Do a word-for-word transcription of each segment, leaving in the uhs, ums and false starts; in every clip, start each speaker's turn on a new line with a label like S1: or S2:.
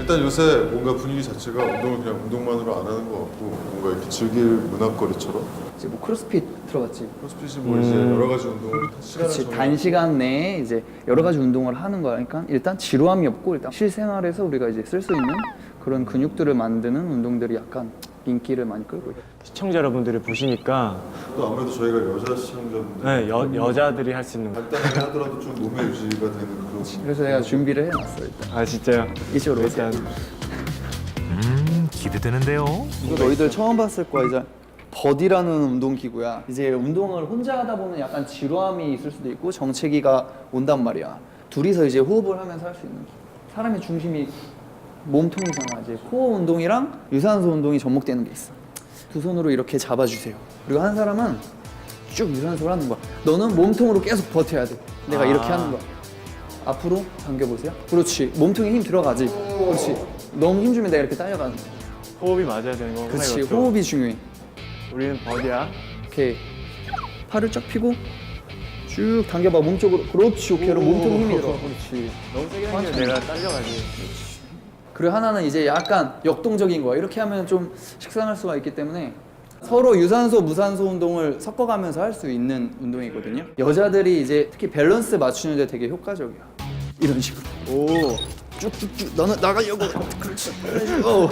S1: 일단 요새 뭔가 분위기 자체가 운동을 그냥 운동만으로 안 하는 것 같고 뭔가 이렇게 즐길 문화거리처럼
S2: 이제 뭐 크로스핏 들어봤지?
S1: 크로스핏이 뭐 이제 여러 가지 운동을 시간을
S2: 그렇지.
S1: 정해
S2: 단시간 내에 이제 여러 가지 운동을 하는 거니까 일단 지루함이 없고 일단 실생활에서 우리가 이제 쓸 수 있는 그런 근육들을 만드는 운동들이 약간 인기를 많이 끌고 있어요.
S3: 시청자 여러분들이 보시니까
S1: 또 아무래도 저희가 여자 시청자분들
S3: 네, 여, 여자들이 할 수 있는 거.
S1: 간단하게 하더라도 좀 몸에 유지가 되는 그런
S2: 그래서 내가 준비를 해놨어 일단.
S3: 아 진짜요?
S2: 이쪽으로 오세요.
S3: 일단
S4: 음, 기대되는데요.
S2: 이거 너희들 처음 봤을 거야. 이제 버디라는 운동 기구야. 이제 운동을 혼자 하다 보면 약간 지루함이 있을 수도 있고 정체기가 온단 말이야. 둘이서 이제 호흡을 하면서 할 수 있는 기구. 사람의 중심이 몸통이잖아. 이제 코어 운동이랑 유산소 운동이 접목되는 게 있어. 두 손으로 이렇게 잡아주세요. 그리고 한 사람은 쭉 유산소를 하는 거야. 너는 몸통으로 계속 버텨야 돼. 내가
S3: 아.
S2: 이렇게 하는 거야. 앞으로 당겨보세요. 그렇지. 몸통에 힘 들어가지. 그렇지. 너무 힘 주면 내가 이렇게 딸려가는 거야.
S3: 호흡이 맞아야 되는 거구나.
S2: 그렇지.
S3: 이것도.
S2: 호흡이 중요해.
S3: 우리는 버디야.
S2: 이렇게 팔을 쫙 펴고 쭉 당겨봐. 몸쪽으로. 그렇지. 오케이. 그럼 몸통에 힘이 들어. 그렇지.
S3: 너무 세게 당기면 내가 딸려가지.
S2: 그리고 하나는 이제 약간 역동적인 거야. 이렇게 하면 좀 식상할 수가 있기 때문에 서로 유산소, 무산소 운동을 섞어가면서 할 수 있는 운동이거든요. 여자들이 이제 특히 밸런스 맞추는 데 되게 효과적이야. 이런 식으로. 오. 쭉쭉쭉. 너는 나가려고. 그렇지. 오.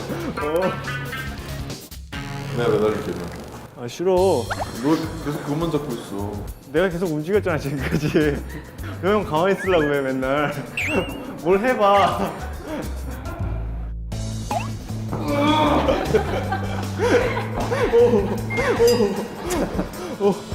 S1: 내가 매달릴게.
S3: 아 싫어.
S1: 너 계속 그것만 잡고 있어.
S3: 내가 계속 움직였잖아 지금까지. 너 형 가만히 있으려고 해 맨날. 뭘 해봐. 오, 오, 오,